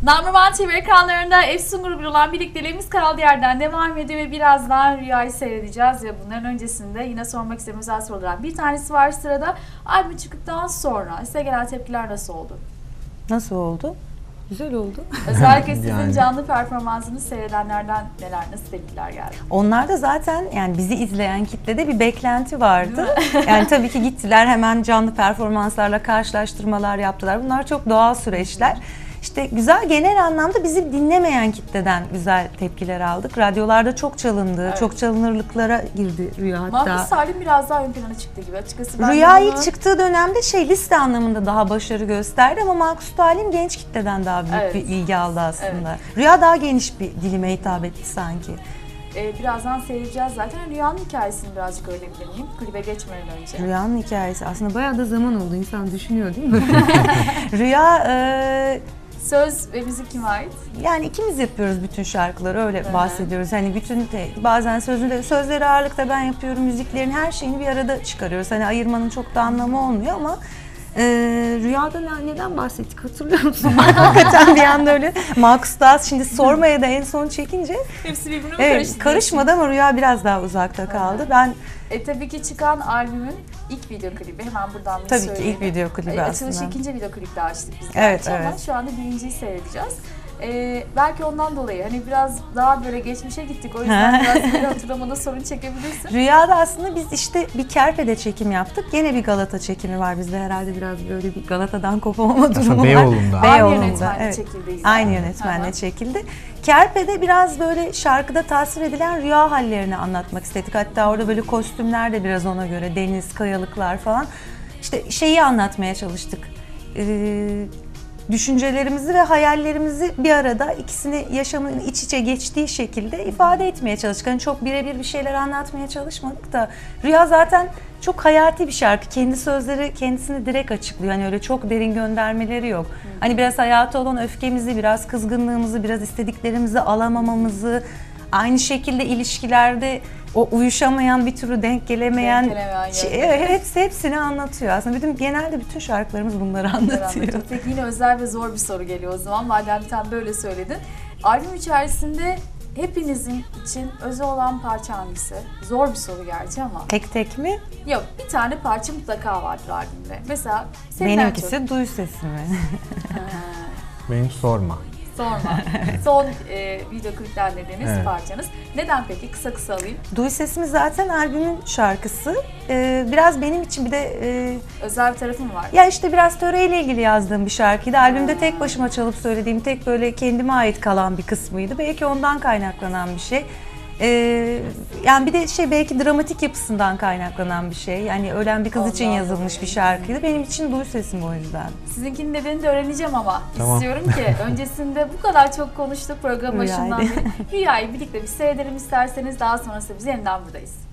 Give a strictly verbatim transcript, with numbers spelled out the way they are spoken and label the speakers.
Speaker 1: Number One T V ekranlarında Efsun grubuyla olan birlikteliğimiz kaldığı yerden devam ediyor ve birazdan Rüya'yı seyredeceğiz ve bunların öncesinde yine sormak istediğim özel sorulardan bir tanesi var sırada. Albüm çıktıktan sonra size gelen tepkiler nasıl oldu?
Speaker 2: Nasıl oldu? Güzel oldu.
Speaker 1: Özellikle sizin
Speaker 3: Yani.
Speaker 1: canlı performansını seyredenlerden neler, nasıl tepkiler geldi?
Speaker 2: Onlarda zaten yani bizi izleyen kitlede bir beklenti vardı. Yani tabii ki gittiler hemen canlı performanslarla karşılaştırmalar yaptılar. Bunlar çok doğal süreçler. İşte güzel, genel anlamda bizi dinlemeyen kitleden güzel tepkiler aldık. Radyolarda çok çalındı,
Speaker 1: Evet.
Speaker 2: çok çalınırlıklara girdi Rüya hatta.
Speaker 1: Mahpus Salim biraz daha ön plana çıktı gibi açıkçası. Ben
Speaker 2: Rüya
Speaker 1: de
Speaker 2: ilk
Speaker 1: bunu...
Speaker 2: çıktığı dönemde şey liste anlamında daha başarı gösterdi ama Mahpus Salim genç kitleden daha büyük
Speaker 1: Evet.
Speaker 2: bir ilgi aldı aslında. Rüya daha geniş bir dilime hitap etti sanki.
Speaker 1: Ee, birazdan seyredeceğiz zaten. Rüya'nın hikayesini birazcık öğrenebilir miyim? Klibe geçmeden önce.
Speaker 2: Rüyanın hikayesi aslında bayağı da zaman oldu, insan düşünüyor değil mi? Rüya e,
Speaker 1: Söz ve müzik kime ait?
Speaker 2: yani ikimiz yapıyoruz bütün şarkıları, öyle
Speaker 1: Hı-hı.
Speaker 2: bahsediyoruz. Hani bütün bazen sözünde sözleri ağırlıkta ben yapıyorum, müziklerin her şeyini bir arada çıkarıyoruz. Hani ayırmanın çok da anlamı olmuyor ama e, Rüyada ne, neden bahsettik hatırlıyor musun? Hakikaten bir anda öyle Markus Dağız şimdi sormaya da en son çekince
Speaker 1: Hepsi birbirine
Speaker 2: evet,
Speaker 1: karıştı.
Speaker 2: karışmadı ama Rüya biraz daha uzakta kaldı. Ben
Speaker 1: E tabii ki çıkan albümün ilk video klibi, hemen buradan bir
Speaker 2: tabii ki
Speaker 1: söyleyelim.
Speaker 2: ilk video klibi
Speaker 1: E,
Speaker 2: aslında.
Speaker 1: Açılışı ikinci video klipte açtık biz.
Speaker 2: Evet,
Speaker 1: gerçi ama
Speaker 2: evet.
Speaker 1: şu anda birinciyi seyredeceğiz. E, belki ondan dolayı hani biraz daha böyle geçmişe gittik. O yüzden biraz böyle hatırlamada sorun çekebilirsin.
Speaker 2: Rüyada aslında biz işte bir Kerpe'de çekim yaptık. Gene bir Galata çekimi var bizde, herhalde biraz böyle bir Galata'dan kopamama durumu
Speaker 3: Aslında
Speaker 2: var.
Speaker 3: Beyoğlu'nda.
Speaker 1: Aynı
Speaker 2: Beyoğlu'nda,
Speaker 1: yönetmenle
Speaker 2: evet.
Speaker 1: çekildi.
Speaker 2: Aynı yönetmenle çekildi. Kerpe'de biraz böyle şarkıda tasvir edilen rüya hallerini anlatmak istedik. Hatta orada böyle kostümler de biraz ona göre, deniz, kayalıklar falan. İşte şeyi anlatmaya çalıştık. Ee, düşüncelerimizi ve hayallerimizi bir arada, ikisini yaşamın iç içe geçtiği şekilde ifade etmeye çalıştık. Hani çok birebir bir şeyler anlatmaya çalışmadık da Rüya zaten çok hayati bir şarkı. Kendi sözleri kendisini direkt açıklıyor. Hani öyle çok derin göndermeleri yok. Hani biraz hayata olan öfkemizi, biraz kızgınlığımızı, biraz istediklerimizi alamamamızı, aynı şekilde ilişkilerde o uyuşamayan, bir türlü denk gelemeyen,
Speaker 1: Denk gelemeyen
Speaker 2: şey,
Speaker 1: yönleri.
Speaker 2: evet, hepsi hepsini anlatıyor. Aslında bütün genelde bütün şarkılarımız bunları anlatıyor.
Speaker 1: Peki yine özel ve zor bir soru geliyor o zaman. Madem sen böyle söyledin. Albüm içerisinde hepinizin için özel olan parça hangisi? Zor bir soru gerçi ama.
Speaker 2: Tek tek mi?
Speaker 1: Yok, bir tane parça mutlaka vardır albümde. Mesela senin en
Speaker 2: Benimkisi
Speaker 1: çok...
Speaker 2: duy sesimi.
Speaker 3: Benim sorma.
Speaker 1: Sorma. Son e, video klipten dediğiniz
Speaker 3: Evet.
Speaker 1: parçanız. Neden peki? Kısa kısa alayım.
Speaker 2: Duy sesimi zaten albümün şarkısı. Ee, biraz benim için bir de e,
Speaker 1: Özel bir tarafı mı var?
Speaker 2: ya işte biraz töreyle ilgili yazdığım bir şarkıydı. Albümde tek başıma çalıp söylediğim, tek böyle kendime ait kalan bir kısmıydı. Belki ondan kaynaklanan bir şey. Ee, yani bir de şey, belki dramatik yapısından kaynaklanan bir şey. Yani ölen bir kız için
Speaker 1: Ondan
Speaker 2: yazılmış
Speaker 1: dolayı.
Speaker 2: bir şarkıydı. Benim için duy sesim o yüzden.
Speaker 1: Sizinkinin nedenini de öğreneceğim ama
Speaker 3: Tamam.
Speaker 1: istiyorum ki öncesinde bu kadar çok konuştuk program başından
Speaker 2: Rüyaydı.
Speaker 1: beri. Rüyayı birlikte bir seyredelim isterseniz, daha sonrasında biz yeniden buradayız.